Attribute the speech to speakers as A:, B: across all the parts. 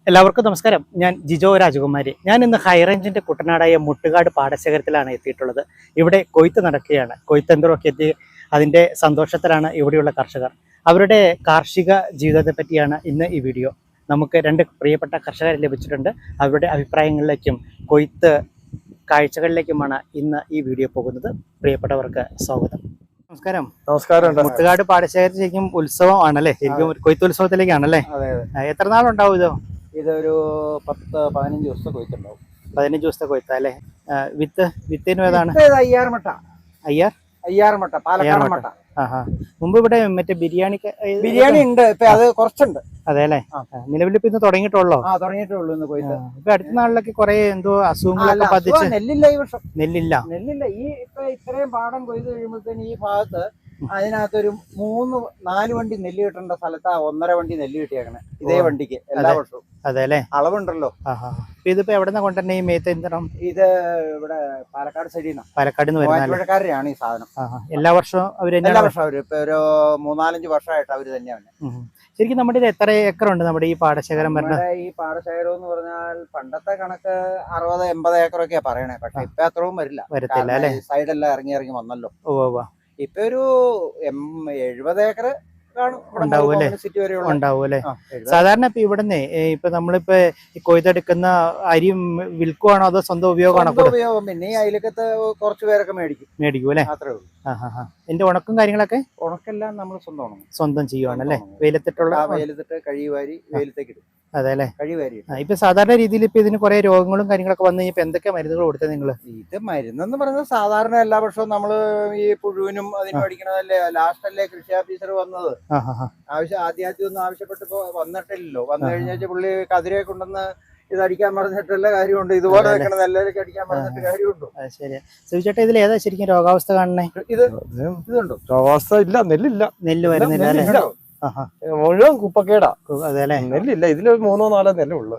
A: എല്ലാവർക്കും നമസ്കാരം. ഞാൻ ജിജോ രാജകുമാരി. ഞാൻ ഇന്ന് ഹൈറേഞ്ചിന്റെ കുട്ടനാടായ മുട്ടുകാട് പാടശേഖരത്തിലാണ് എത്തിയിട്ടുള്ളത്. ഇവിടെ കൊയ്ത്ത് നടക്കുകയാണ്. കൊയ്ത്തന്ത്രമൊക്കെ എത്തി അതിൻ്റെ സന്തോഷത്തിലാണ് ഇവിടെയുള്ള കർഷകർ. അവരുടെ കാർഷിക ജീവിതത്തെ പറ്റിയാണ് ഇന്ന് ഈ വീഡിയോ. നമുക്ക് രണ്ട് പ്രിയപ്പെട്ട കർഷകരെ ലഭിച്ചിട്ടുണ്ട്. അവരുടെ അഭിപ്രായങ്ങളിലേക്കും കൊയ്ത്ത് കാഴ്ചകളിലേക്കുമാണ് ഇന്ന് ഈ വീഡിയോ പോകുന്നത്. പ്രിയപ്പെട്ടവർക്ക് സ്വാഗതം. നമസ്കാരം.
B: നമസ്കാരം.
A: മുട്ടുകാട് പാടശേഖരത്തിൽ ശരിക്കും ഉത്സവമാണല്ലേ? ശരിക്കും കൊയ്ത്തുത്സവത്തിലേക്കാണല്ലേ? എത്ര നാളുണ്ടാവും ഇത്?
B: ഇതൊരു 10-15 ദിവസത്തെ കൊയ്ത്തുണ്ടാവും.
A: 15 ദിവസത്തെ കൊയ്ത്ത അല്ലേ? വിത്തിന് ഏതാണ്?
B: അയ്യാർ മട്ട, പാലക്കാട് മട്ട.
A: മുമ്പ് ഇവിടെ മറ്റേ ബിരിയാണി
B: ഉണ്ട്. ഇപ്പൊ അത് കുറച്ചുണ്ട്.
A: അതെ അല്ലേ? നിലവിൽ ഇപ്പൊ ഇന്ന് തുടങ്ങിയിട്ടുള്ളൂ.
B: തുടങ്ങിയിട്ടുള്ളൂ ഇന്ന് കൊയ്ത്ത്.
A: ഇപ്പൊ അടുത്ത നാളിലൊക്കെ കുറെ എന്തോ അസുഖങ്ങളൊക്കെ ബാധിച്ച്
B: നെല്ലില്ല ഈ വർഷം.
A: നെല്ലില്ല.
B: ഈ ഇപ്പൊ ഇത്രയും പാടം കൊയ്ത് കഴിയുമ്പോഴത്തേന് ഈ ഭാഗത്ത് അതിനകത്തൊരു 3-4 വണ്ടി നെല്ല് കിട്ടേണ്ട സ്ഥലത്ത് 1.5 വണ്ടി നെല്ല് കിട്ടിയേക്കണേ ഇതേ വണ്ടിക്ക് എല്ലാ വർഷവും.
A: അതെ അല്ലേ?
B: അളവുണ്ടല്ലോ.
A: ഇതിപ്പോ എവിടെ കൊണ്ടുവന്നെ ഈ മേത്ത് യന്ത്രം?
B: ഇത് ഇവിടെ പാലക്കാട് സൈഡിൽ നിന്നാണ്.
A: പാലക്കാട്
B: മൂവാറ്റുപുഴക്കാരാണ് ഈ സാധനം.
A: എല്ലാ വർഷവും
B: എല്ലാ വർഷവും അവര് ഇപ്പൊ ഒരു 3-4 വർഷമായിട്ട് അവര് തന്നെയാണ്.
A: ശരിക്കും നമ്മുടെ ഇത് എത്ര ഏക്കർ ഉണ്ട് നമ്മുടെ ഈ പാടശേഖരം?
B: ഈ പാടശേഖരം എന്ന് പറഞ്ഞാൽ പണ്ടത്തെ കണക്ക് 60-80 ഏക്കറൊക്കെയാ പറയണേ. പക്ഷെ ഇപ്പൊ അത്രയും വരത്തില്ല. സൈഡെല്ലാം ഇറങ്ങി വന്നല്ലോ. ഇപ്പൊ ഒരു 70 ഏക്കർ
A: ഉണ്ടാവും അല്ലേ? സാധാരണ ഇപ്പൊ ഇവിടുന്ന് ഇപ്പൊ നമ്മളിപ്പോ കൊയ്തെടുക്കുന്ന അരി വിൽക്കുവാണോ അതോ സ്വന്തം ഉപയോഗമാണോ?
B: ഉപയോഗം. പിന്നെ ഈ അയലക്കത്ത് കുറച്ച് പേരൊക്കെ മേടിക്കും അല്ലേ? അത്രേ ഉള്ളൂ.
A: എന്റെ ഉണക്കും കാര്യങ്ങളൊക്കെ
B: ഉണക്കെല്ലാം നമ്മൾ
A: സ്വന്തം ചെയ്യുവാണല്ലേ?
B: വെയിലത്തിട്ട് കഴിവാരി വെയിലത്തേക്ക് ഇടും.
A: അതെ അല്ലേ?
B: കഴിവാരി.
A: ഇപ്പൊ സാധാരണ രീതിയിൽ ഇപ്പൊ ഇതിന് കുറെ രോഗങ്ങളും കാര്യങ്ങളൊക്കെ വന്നു കഴിഞ്ഞപ്പോ എന്തൊക്കെ മരുന്നുകൾ കൊടുത്തത് നിങ്ങള്?
B: ഇത് മരുന്നെന്ന് പറയുന്നത് സാധാരണ എല്ലാ വർഷവും നമ്മള് ഈ പുഴുവിനും അതിനും അടിക്കണതല്ലേ. ലാസ്റ്റ് അല്ലേ കൃഷി ഓഫീസർ വന്നത്. ആദ്യം ഒന്നും ആവശ്യപ്പെട്ടിപ്പോ വന്നിട്ടില്ലല്ലോ. വന്നു കഴിഞ്ഞാൽ പുള്ളി കതിരെ കൊണ്ടുവന്ന് ഇത് അടിക്കാൻ പറഞ്ഞിട്ടുള്ള കാര്യമുണ്ട്. ഇതുപോലെ വെക്കണം നെല്ലിലേക്ക് അടിക്കാൻ പറഞ്ഞിട്ട് കാര്യമുണ്ടോ?
A: ശരി. സുചേട്ടാ, ഇതിൽ ഏതാ ശരിക്കും രോഗാവസ്ഥ കാണണേ?
B: ഇതുണ്ടോ രോഗാവസ്ഥ? ഇല്ല,
A: നെല്ല് വരുന്നില്ല.
B: മുഴുവൻ കുപ്പക്കേടാ.
A: അതെല്ലേ?
B: നെല്ലില്ല. ഇതില് 3-4 നെല്ലേ ഉള്ളു.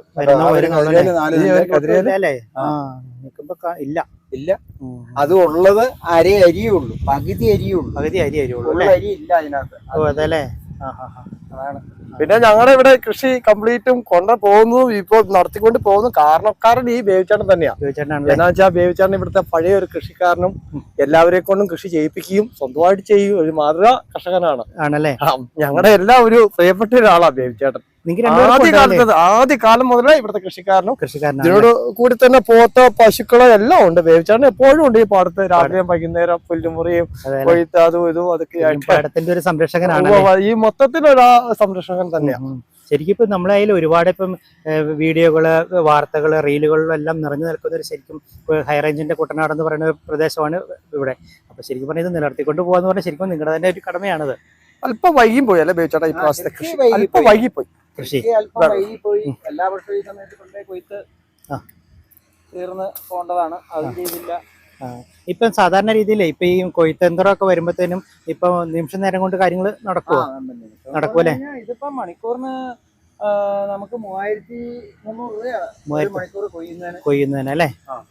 B: ഇല്ല. അത് ഉള്ളത് അരിയേ ഉള്ളൂ. പകുതി അരിയേ ഉള്ളൂ. അരി ഇല്ല അതിനകത്ത്.
A: അതെല്ലേ?
B: അതാണ്. പിന്നെ ഞങ്ങളുടെ ഇവിടെ കൃഷി കംപ്ലീറ്റും കൊണ്ടു പോകുന്നതും ഇപ്പൊ നടത്തിക്കൊണ്ട് പോകുന്നു കാരണക്കാരൻ ഈ ബേബിച്ചേട്ടൻ തന്നെയാണ്. എന്നാ വെച്ചാൽ ബേബിച്ചേട്ടൻ ഇവിടുത്തെ പഴയ ഒരു കൃഷിക്കാരനും എല്ലാവരെ കൊണ്ടും കൃഷി ചെയ്യിപ്പിക്കുകയും സ്വന്തമായിട്ട് ചെയ്യും ഒരു മാതൃക കർഷകനാണ്.
A: ആണല്ലേ?
B: ഞങ്ങളുടെ എല്ലാം ഒരു പ്രിയപ്പെട്ട ഒരാളാ ബേബിച്ചേട്ടൻ. ആദ്യ കാലം മുതലേ ഇവിടുത്തെ കൃഷിക്കാരനും ഇതിനോട് കൂടി തന്നെ പോത്ത പശുക്കളോ എല്ലാം ഉണ്ട്. ബേബിച്ചേട്ടൻ എപ്പോഴും ഉണ്ട് ഈ പാടത്ത്. രാത്രിയും വൈകുന്നേരം പുല്ലുമുറിയും കൊയ്ത്ത് അതും ഇതും അതൊക്കെ
A: ആയിട്ട് ഒരു സംരക്ഷകനാണ്.
B: ഈ മൊത്തത്തിലൊരു സംരക്ഷകൻ തന്നെയാണ്.
A: ശരിക്കും ഇപ്പൊ നമ്മളെ കയ്യിൽ ഒരുപാട് ഇപ്പം വീഡിയോകള്, വാർത്തകള്, റീലുകളിലും എല്ലാം നിറഞ്ഞു നിൽക്കുന്ന ഒരു ശരിക്കും ഹൈറേഞ്ചിന്റെ കുട്ടനാട് എന്ന് പറയുന്ന ഒരു പ്രദേശമാണ് ഇവിടെ. അപ്പൊ ശരിക്കും പറഞ്ഞാൽ ഇത് നിലനിർത്തിക്കൊണ്ട് പോകാന്ന് പറഞ്ഞാൽ ശരിക്കും നിങ്ങളുടെ തന്നെ ഒരു കടമയാണത്.
B: അല്പം വൈകിയും പോയി അല്ലെ ബേബിച്ചേട്ടാ? ഈ പ്രാവശ്യത്തെ കൃഷി അല്പം വൈകിപ്പോയി. എല്ലാ വർഷവും ഈ സമയത്ത് കൊണ്ടേ കൊയ്ത്ത് തീർന്ന് പോകേണ്ടതാണ്. അത് ചെയ്തില്ല.
A: ഇപ്പം സാധാരണ രീതിയിൽ ഇപ്പൊ ഈ കൊയ്ത്തന്ത്രമൊക്കെ വരുമ്പോഴത്തേനും ഇപ്പൊ നിമിഷ നേരം കൊണ്ട് കാര്യങ്ങൾ നടക്കൂലേ?
B: ഇതിപ്പോ മണിക്കൂറിന് നമുക്ക് 3300 രൂപയാണ് മണിക്കൂർ
A: കൊയ്യുന്നതിന് അല്ലേ?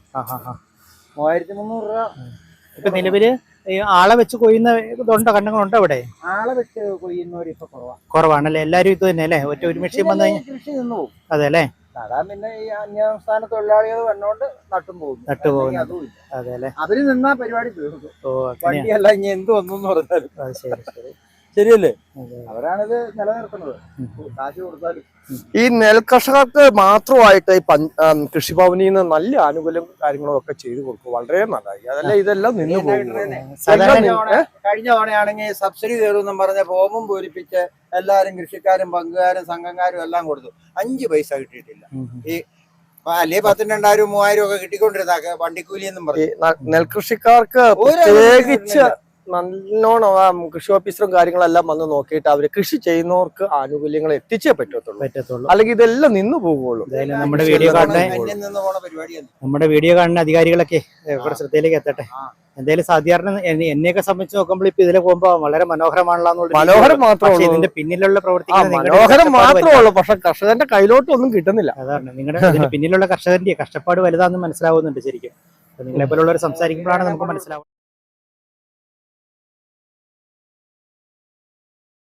B: 3300 രൂപ.
A: ഇപ്പൊ നിലവില് ആളെ വെച്ച് കൊയ്യുന്ന ഇതുണ്ടോ? കണ്ണുങ്ങളുണ്ടോ ഇവിടെ?
B: ആളെ വെച്ച് കൊയ്യുന്നവർ ഇപ്പൊ
A: കുറവാണല്ലേ? എല്ലാരും ഇത് തന്നെ അല്ലേ? ഒരു മെഷീൻ വന്നു കഴിഞ്ഞാൽ
B: കൃഷി നിന്ന് പോകും.
A: അതെ അല്ലേ?
B: പിന്നെ ഈ അന്യസംസ്ഥാന തൊഴിലാളികൾ വന്നോണ്ട് നട്ടുപോകും.
A: അതെ അല്ലെ?
B: അവര് നിന്നാ പരിപാടി തീർന്നു. വണ്ടിയല്ല ഇനി എന്ത് വന്നു പറഞ്ഞാലും ശരിയല്ലേ? അവരാണിത് നിലനിർത്തുന്നത്. കാശ് കൊടുത്താലും ഈ നെൽകർഷകർക്ക് മാത്രമായിട്ട് ഈ കൃഷിഭവനിൽ നിന്ന് നല്ല ആനുകൂല്യം കാര്യങ്ങളും ഒക്കെ ചെയ്തു കൊടുക്കും. വളരെ നല്ലതായി. അതല്ല ഇതെല്ലാം നിന്ന് പോകും. കഴിഞ്ഞ തവണയാണെങ്കിൽ സബ്സിഡി കയറുമെന്നും പറഞ്ഞ ഫോമും പൂരിപ്പിച്ച് എല്ലാരും കൃഷിക്കാരും പങ്കുകാരും സംഘക്കാരും എല്ലാം കൊടുത്തു. 5 പൈസ കിട്ടിയിട്ടില്ല. ഈ അല്ലേ 10,000-2,000-3,000 ഒക്കെ കിട്ടിക്കൊണ്ടിരുന്ന വണ്ടിക്കൂലി എന്നും പറഞ്ഞു. നെൽകൃഷിക്കാർക്ക് പ്രത്യേകിച്ച് നല്ലോണം കൃഷി ഓഫീസറും കാര്യങ്ങളെല്ലാം വന്ന് നോക്കിയിട്ട് അവര് കൃഷി ചെയ്യുന്നവർക്ക് ആനുകൂല്യങ്ങൾ എത്തിച്ചേ പറ്റത്തുള്ളൂ. അല്ലെങ്കിൽ ഇതെല്ലാം നിന്ന് പോകുള്ളൂ.
A: നമ്മുടെ വീഡിയോ കാണുന്ന അധികാരികളൊക്കെ ഇവിടെ ശ്രദ്ധയിലേക്ക് എത്തട്ടെ. എന്തായാലും സാധാരണ എന്നെയൊക്കെ സംബന്ധിച്ച് നോക്കുമ്പോൾ ഇപ്പൊ ഇതിലെ പോകുമ്പോ വളരെ മനോഹരമാണല്ലോ.
B: മനോഹരം മാത്രമേ
A: ഇതിന്റെ പിന്നിലുള്ള പ്രവർത്തിക്കുന്നത്
B: മനോഹരം മാത്രമേ ഉള്ളൂ. പക്ഷെ കർഷകന്റെ കയ്യിലോട്ട് ഒന്നും കിട്ടുന്നില്ല.
A: അതാണ് നിങ്ങളുടെ പിന്നിലുള്ള കർഷകന്റെ കഷ്ടപ്പാട് വലുതാണെന്ന് മനസ്സിലാവുന്നുണ്ട് ശരിക്കും. നിങ്ങളെ പോലുള്ളവർ സംസാരിക്കുമ്പോഴാണ് നമുക്ക് മനസ്സിലാവുന്നത്.